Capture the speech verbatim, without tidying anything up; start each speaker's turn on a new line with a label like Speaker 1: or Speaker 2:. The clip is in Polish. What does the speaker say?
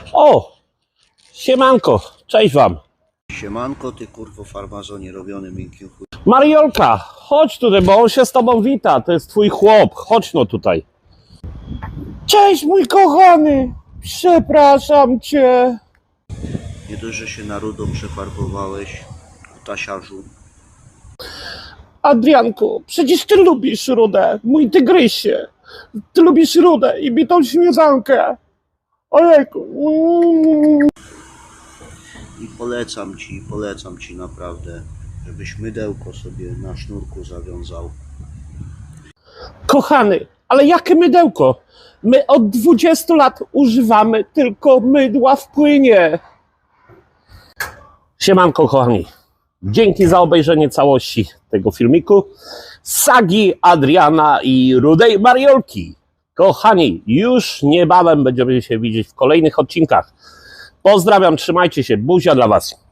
Speaker 1: O! Siemanko, cześć wam.
Speaker 2: Siemanko, ty kurwo farmazonie robiony miękkim chuj.
Speaker 1: Mariolka, chodź tutaj, bo on się z tobą wita. To jest twój chłop. Chodź no tutaj. Cześć mój kochany. Przepraszam cię.
Speaker 2: Nie dość, że się na rudo przefarbowałeś, kutasiarzu.
Speaker 1: Adrianku, przecież ty lubisz rudę, mój tygrysie. Ty lubisz rudę i bitą śmietankę. Ojejku.
Speaker 2: I polecam ci, polecam ci naprawdę, żebyś mydełko sobie na sznurku zawiązał.
Speaker 1: Kochany, ale jakie mydełko? My od dwudziestu lat używamy tylko mydła w płynie. Siemanko kochani, dzięki za obejrzenie całości tego filmiku. Sagi Adriana i Rudej Mariolki. Kochani, już niebawem będziemy się widzieć w kolejnych odcinkach. Pozdrawiam, trzymajcie się, buzia dla was.